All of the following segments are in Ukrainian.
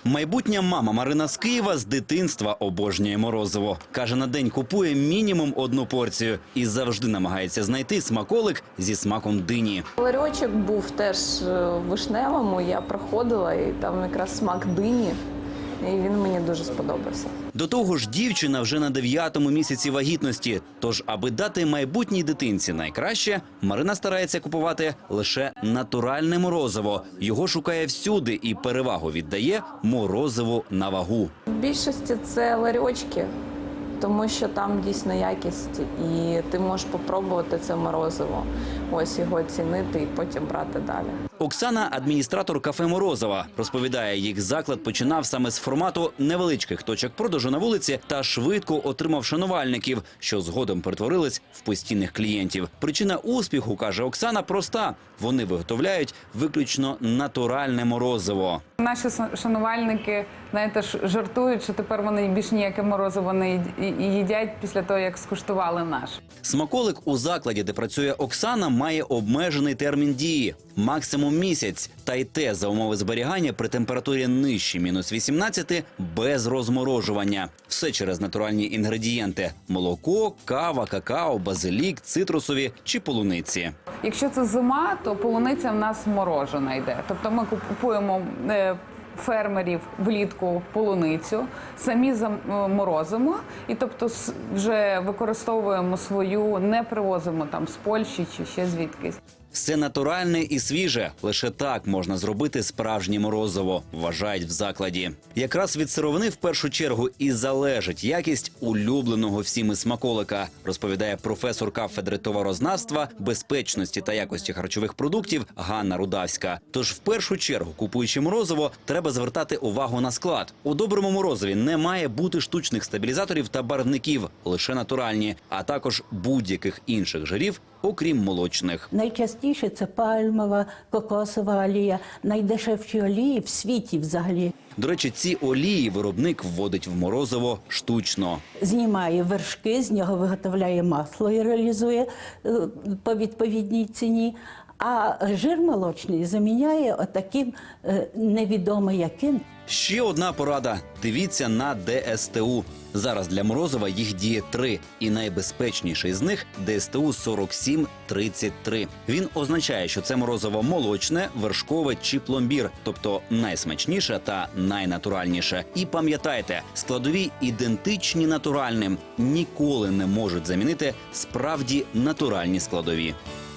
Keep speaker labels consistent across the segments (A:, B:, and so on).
A: Майбутня мама Марина з Києва з дитинства обожнює морозиво. Каже, на день купує мінімум одну порцію і завжди намагається знайти смаколик зі смаком дині.
B: Ларьочок був теж в Вишневому, я проходила, і там якраз смак дині, і він мені дуже сподобався.
A: До того ж, дівчина вже на 9-му місяці вагітності. Тож, аби дати майбутній дитинці найкраще, Марина старається купувати лише натуральне морозиво. Його шукає всюди і перевагу віддає морозиву на вагу.
B: В більшості це ларьочки, тому що там дійсно якість, і ти можеш попробувати це морозиво, ось його оцінити і потім брати далі.
A: Оксана – адміністратор кафе «Морозова». Розповідає, їх заклад починав саме з формату невеличких точок продажу на вулиці та швидко отримав шанувальників, що згодом перетворились в постійних клієнтів. Причина успіху, каже Оксана, проста. Вони виготовляють виключно натуральне морозиво.
C: Наші шанувальники, знаєте, жартують, що тепер вони більш ніяке морозиво не їдять після того, як скуштували наш.
A: Смаколик у закладі, де працює Оксана, має обмежений термін дії – максимум місяць. Та й те за умови зберігання при температурі нижче мінус 18 без розморожування. Все через натуральні інгредієнти – молоко, кава, какао, базилік, цитрусові чи полуниці.
C: Якщо це зима, то полуниця в нас морожена йде. Тобто ми купуємо фермерів влітку полуницю, самі заморозимо і тобто вже використовуємо свою, не привозимо там з Польщі чи ще звідкись.
A: Все натуральне і свіже. Лише так можна зробити справжнє морозиво, вважають в закладі. Якраз від сировини в першу чергу і залежить якість улюбленого всіми смаколика, розповідає професор кафедри товарознавства, безпечності та якості харчових продуктів Ганна Рудавська. Тож в першу чергу, купуючи морозиво, треба звертати увагу на склад. У доброму морозиві не має бути штучних стабілізаторів та барвників, лише натуральні, а також будь-яких інших жирів, окрім молочних.
D: Найчастіше це пальмова, кокосова олія, найдешевші олії в світі взагалі.
A: До речі, ці олії виробник вводить в морозиво штучно.
D: Знімає вершки, з нього виготовляє масло і реалізує по відповідній ціні. А жир молочний заміняє отаким невідомо яким.
A: Ще одна порада – дивіться на ДСТУ. Зараз для морозива їх діє 3, і найбезпечніший з них – ДСТУ 4733. Він означає, що це морозиво молочне, вершкове чи пломбір, тобто найсмачніше та найнатуральніше. І пам'ятайте, складові ідентичні натуральним, ніколи не можуть замінити справді натуральні складові.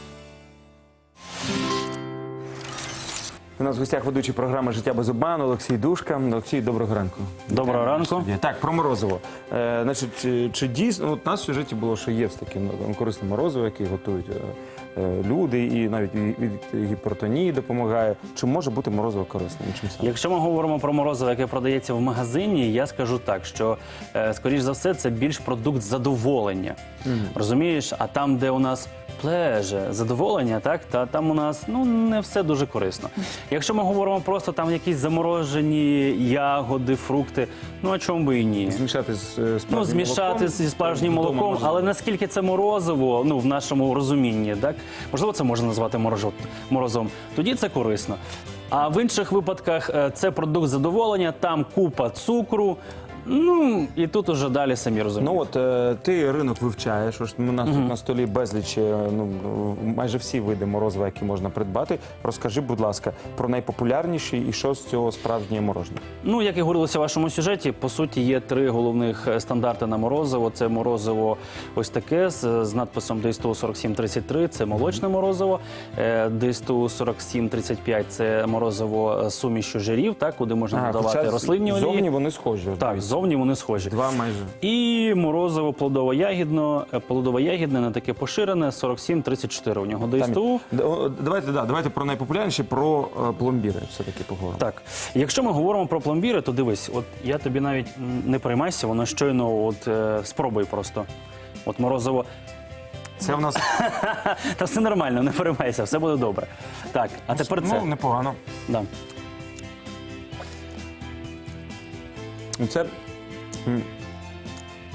E: У нас в гостях ведучий програми «Життя без обману» Олексій Душка. Олексій, доброго ранку.
F: Доброго ранку.
E: Так, про морозиво. Значить, чи дійсно, от у нас в сюжеті було, що є таке корисне морозиво, яке готують люди, і навіть від гіпертонії допомагає. Чи може бути морозиво корисним? Чим саме?
F: Якщо ми говоримо про морозиво, яке продається в магазині, я скажу так, що, скоріш за все, це більш продукт задоволення. Розумієш? А там, де у нас плеже, задоволення, так, та там у нас не все дуже корисно. Якщо ми говоримо просто там якісь заморожені ягоди, фрукти, а чому би і ні?
E: Змішати з справжнім
F: змішати зі справжнім молоком, але наскільки це морозиво, в нашому розумінні, так? Можливо, це можна назвати морозом. Тоді це корисно. А в інших випадках це продукт задоволення, там купа цукру, і тут уже далі самі розумієте.
E: Ти ринок вивчаєш, у нас тут на столі безліч, майже всі види морозива, які можна придбати. Розкажи, будь ласка, про найпопулярніші і що з цього справжнє морожене.
F: Як і говорилося в вашому сюжеті, по суті, є 3 головних стандарти на морозиво. Це морозиво ось таке з надписом ДСТУ 4733, це молочне морозиво. ДСТУ 4735 – це морозиво з сумішю жирів, куди можна додавати рослинні олії.
E: Зовні вони схожі.
F: Так, зовні вони схожі.
E: 2 майже.
F: І морозиво плодово-ягідне, не таке поширене, 4734 у нього ДСТУ.
E: Давайте про найпопулярніші, про пломбіри все-таки поговоримо.
F: Так, якщо ми говоримо про пломбіри, то дивись, я тобі навіть не переймайся, воно щойно, спробуй просто. Морозиво.
E: Це в нас...
F: Та все нормально, не переймайся, все буде добре. Так, а тепер це.
E: Непогано.
F: Да.
E: Це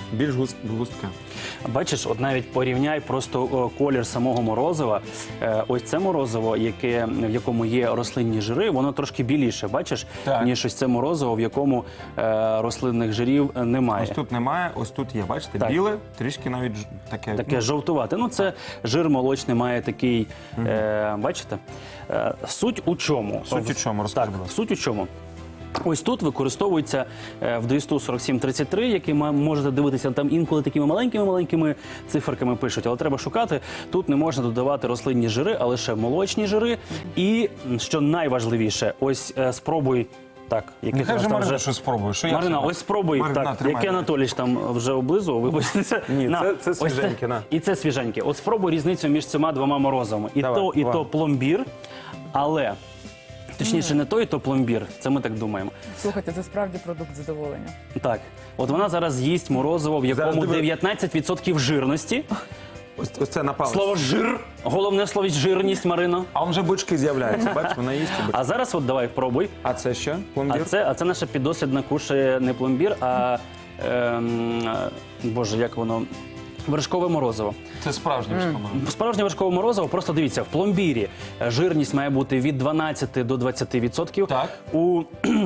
E: більш густке.
F: Бачиш, от навіть порівняй просто колір самого морозива. Ось це морозиво, в якому є рослинні жири, воно трошки біліше, бачиш,
E: Так.
F: ніж ось це морозиво, в якому рослинних жирів немає.
E: Ось тут немає, ось тут є, бачите,
F: Так.
E: біле, трішки навіть таке.
F: Таке жовтувате. Ну, це жир молочний має такий, бачите? Суть у чому?
E: Суть у чому? Розкажи,
F: Так,
E: будь ласка.
F: суть у чому? Ось тут використовується в ДСТУ 4733, який можете дивитися, там інколи такими маленькими циферками пишуть, але треба шукати. Тут не можна додавати рослинні жири, а лише молочні жири. І, що найважливіше, ось спробуй. Так, який
E: Нехай
F: у нас
E: же
F: там
E: Марина щось спробує. Що я
F: Марина,
E: собі?
F: ось спробуй,
E: Марина,
F: так,
E: тримай.
F: який Анатолійович там вже облизував, вибачте.
E: Ні,
F: На,
E: це
F: ось
E: свіженьке, на.
F: І це свіженьке. От спробуй різницю між цими двома морозами. І
E: Давай,
F: і
E: давай.
F: то пломбір, але, точніше, не то, і то пломбір. Це ми так думаємо.
G: Слухайте, це справді продукт задоволення.
F: Так, от вона зараз їсть морозиво, в якому
E: диви.
F: 19% жирності.
E: Ось це на палець.
F: Слово жир, головне слово жирність, Марино.
E: А он вже бочки з'являються, бачиш, вона їсть.
F: А зараз от давай пробуй.
E: А це що?
F: А
E: Пломбір?
F: це наша піддослідна кушає не пломбір, а боже, як воно? Вершкове морозиво.
E: Це справжнє морозиво.
F: Справжнє вершкове морозиво, просто дивіться, в пломбірі жирність має бути від 12 до 20%.
E: Так.
F: У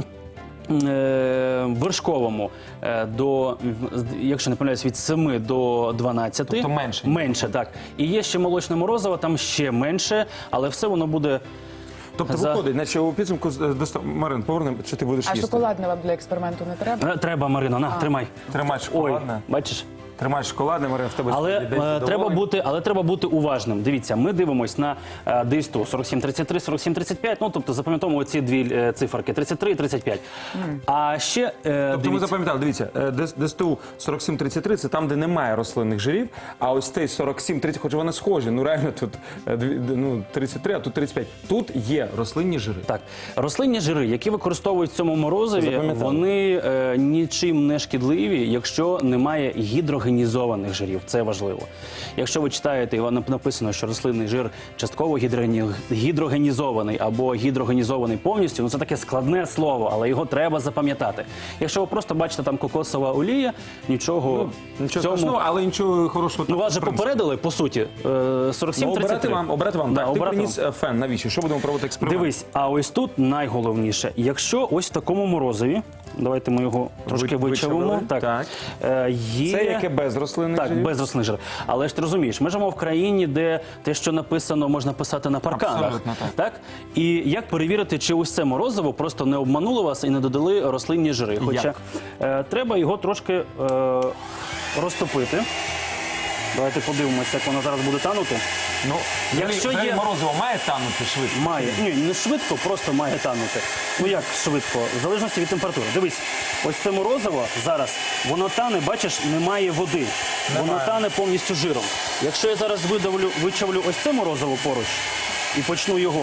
F: вершковому якщо не помиляюсь, від 7 до 12.
E: Тобто менше.
F: Менше, так. І є ще молочне морозиво, там ще менше, але все воно буде...
E: Тобто виходить, наче у підсумку, Марин, повернемо, чи ти будеш
G: А
E: їсти?
G: шоколадне вам для експерименту не треба?
F: Треба, Марино, на, тримай.
E: Тримай
F: Ой,
E: шоколадне.
F: бачиш?
E: Тримай шоколадне, Марин, в тебе
F: Але
E: йде
F: треба бути уважним. Дивіться, ми дивимось на ДСТУ 4733, 4735, ну тобто запам'ятовуємо ці дві циферки 33 і 35. А ще
E: Тобто ми
F: дивіться,
E: запам'ятали, дивіться, ДСТУ 4733 – це там, де немає рослинних жирів, а ось цей 4730, хоч вони схожі, ну реально тут 33, а тут 35. Тут є рослинні жири.
F: так, рослинні жири, які використовують в цьому морозиві,
E: Запам'ятали.
F: вони нічим не шкідливі, якщо немає гідрогенізованих жирів. Це важливо. Якщо ви читаєте, і вам написано, що рослинний жир частково гідрогенізований або гідрогенізований повністю, ну це таке складне слово, але його треба запам'ятати. Якщо ви просто бачите там кокосова олія, нічого в
E: Нічого
F: цьому...
E: страшного, але нічого хорошого.
F: Ну, вас же
E: в принципі.
F: попередили, по суті, 47-33.
E: Обрати вам.
F: Да,
E: Так, ти
F: обрати
E: приніс фен, навіщо? Що будемо проводити експеримент?
F: Дивись, а ось тут найголовніше, якщо ось в такому морозиві, давайте ми його трошки вичавимо.
E: вичавили, так.
F: Є...
E: Це яке без рослинних
F: Так,
E: жирів?
F: без рослинних жирів. Але ж ти розумієш, ми живемо в країні, де те, що написано, можна писати на парканах.
E: Абсолютно так.
F: І як перевірити, чи ось це морозиво просто не обмануло вас і не додали рослинні жири? Хоча треба його трошки розтопити. Давайте подивимося, як воно зараз буде танути.
E: Ну,
F: Якщо
E: взагалі
F: є-
E: морозиво має танути швидко?
F: Має. Ні, не швидко, просто має танути. Ну як швидко? В залежності від температури. Дивись, ось це морозиво зараз, воно тане, бачиш, немає води. Воно тане повністю жиром. Якщо я зараз вичавлю ось це морозиво поруч і почну його.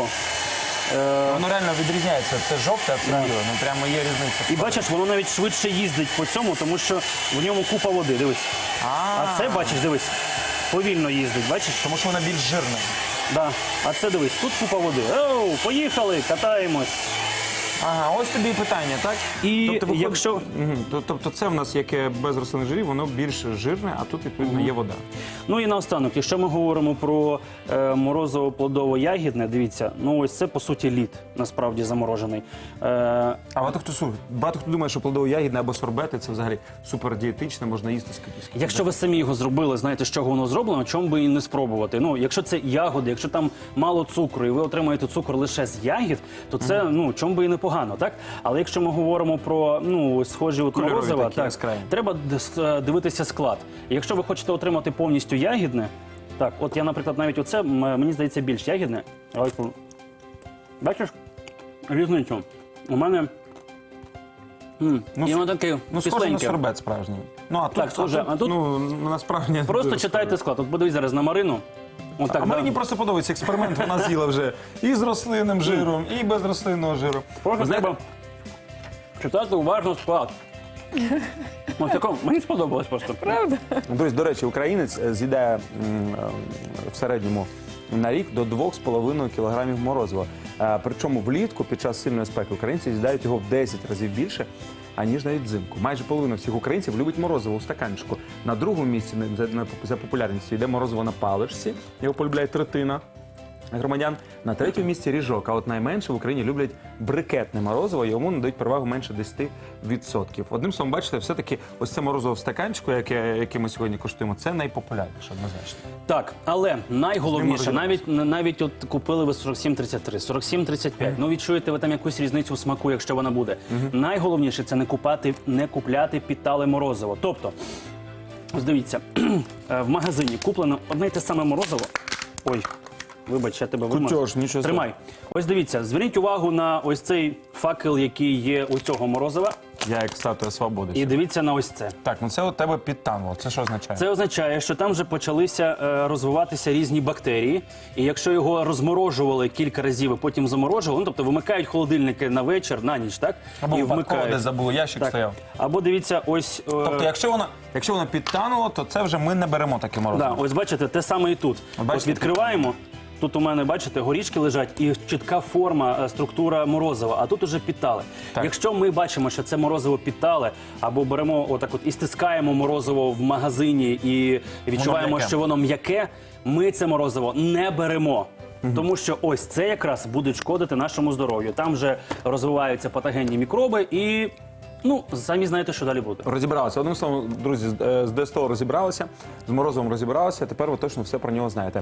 E: Воно реально відрізняється. Це жовте, а це біле. Ну прямо є різниця.
F: І бачиш, воно навіть швидше їздить по цьому, тому що в ньому купа води. Дивись. А це, бачиш, дивись, повільно їздить, бачиш?
E: Тому що вона більш жирна.
F: Да. А це дивись, тут купа води. Оу, поїхали, катаємось.
E: Ага, ось тобі і питання, так?
F: І
E: виходить-
F: якщо-
E: Мгм. Тобто це в нас яке без рослинних жирів, воно більш жирне, а тут, відповідно, є вода.
F: Ну і наостанок, якщо ми говоримо про морозиво плодово-ягідне, дивіться, ну ось це по суті лід, насправді заморожений.
E: А багато хто думає, що плодово-ягідне або сорбети – це взагалі супердієтичне, можна їсти скільки.
F: Якщо ви самі його зробили, знаєте, з чого воно зроблено, чому би і не спробувати. Ну, якщо це ягоди, якщо там мало цукру, і ви отримаєте цукор лише з ягід, то це, ну, чому би і непогано, так? Але якщо ми говоримо про, ну, схожі от
E: Кольорові
F: морозива,
E: такі,
F: так,
E: яскраві.
F: треба дивитися склад. І якщо ви хочете отримати повністю ягідне, так, от я, наприклад, навіть оце, мені здається, більш ягідне. Бачиш різницю? У мене і воно таке
E: Ну, схоже на
F: кисленьке.
E: сорбет справжній. Ну, а тут,
F: Так, схоже, а тут-
E: ну, насправді...
F: Просто читайте склад. От подивись зараз на Марину. От так,
E: А Марині просто подобається експеримент, вона з'їла вже і з рослинним жиром, і без рослинного жиру.
F: Просто треба читати уважно склад. Ось такому мені сподобалось просто. Правда?
E: Тобто, до речі, українець з'їдає в середньому на рік до 2,5 кілограмів морозива. Причому влітку під час сильної спеки українці з'їдають його в 10 разів більше, аніж навіть взимку. Майже половина всіх українців любить морозиво у стаканчику. На другому місці за популярністю йде морозиво на паличці, його полюбляє третина громадян. На третьому місці ріжок, а от найменше в Україні люблять брикетне морозиво, йому надають перевагу менше 10%. Одним словом, бачите, все-таки ось це морозиво в стаканчику, яке ми сьогодні куштуємо, це найпопулярніше, однозначно.
F: Так, але найголовніше,
E: З ним
F: навіть от купили ви 47,33, 47,35, ну відчуєте ви там якусь різницю в смаку, якщо вона буде. Найголовніше це не купляти підтале морозиво. Тобто, ось дивіться, в магазині куплено одне й те саме морозиво. Ой, вибач, я тебе вимазав.
E: Кутьош, нічого
F: Тримай. Ось дивіться, зверніть увагу на ось цей факел, який є у цього морозива.
E: Я як статуя свободи.
F: І дивіться на ось це.
E: Так, ну це у тебе підтануло. Це що означає?
F: Це означає, що там вже почалися розвиватися різні бактерії. І якщо його розморожували кілька разів і потім заморожували, ну, тобто вимикають холодильники на вечір, на ніч, так?
E: Або
F: і
E: випадково десь забули, ящик
F: Так.
E: стояв.
F: Або дивіться, ось...
E: Тобто, якщо воно підтануло, то це вже ми не беремо таке морозиво.
F: да, ось бачите, те саме і тут.
E: Бачите,
F: Ось відкриваємо. Тут у мене, бачите, горішки лежать і чітка форма, структура морозива, а тут уже підтале.
E: Так.
F: Якщо ми бачимо, що це морозиво підтале, або беремо отак от і стискаємо морозиво в магазині і відчуваємо,
E: м'яке.
F: що воно м'яке, ми це морозиво не беремо. Тому що ось це якраз буде шкодити нашому здоров'ю. Там вже розвиваються патогенні мікроби і, ну, самі знаєте, що далі буде.
E: Розібралися. Одним словом, друзі, з ДСТО розібралися, з морозивом розібралися, тепер ви точно все про нього знаєте.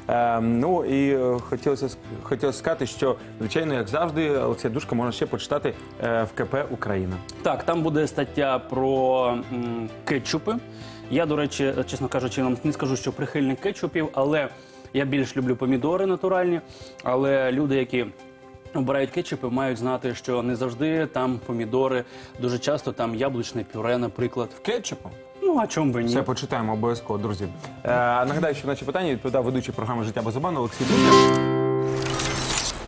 E: Ну і хотілося сказати, що, звичайно, як завжди, Олексія Душка можна ще почитати в КП «Україна».
F: Так, там буде стаття про кетчупи. Я, до речі, чесно кажучи, вам не скажу, що прихильник кетчупів, але я більш люблю помідори натуральні. Але люди, які обирають кетчупи, мають знати, що не завжди там помідори, дуже часто там яблучне пюре, наприклад.
E: Кетчупом?
F: Ну, а чому би ні?
E: Все почитаємо обов'язково, друзі. Нагадаю, що на наші питання відповідав ведучий програми «Життя без обману» Олексій Душка.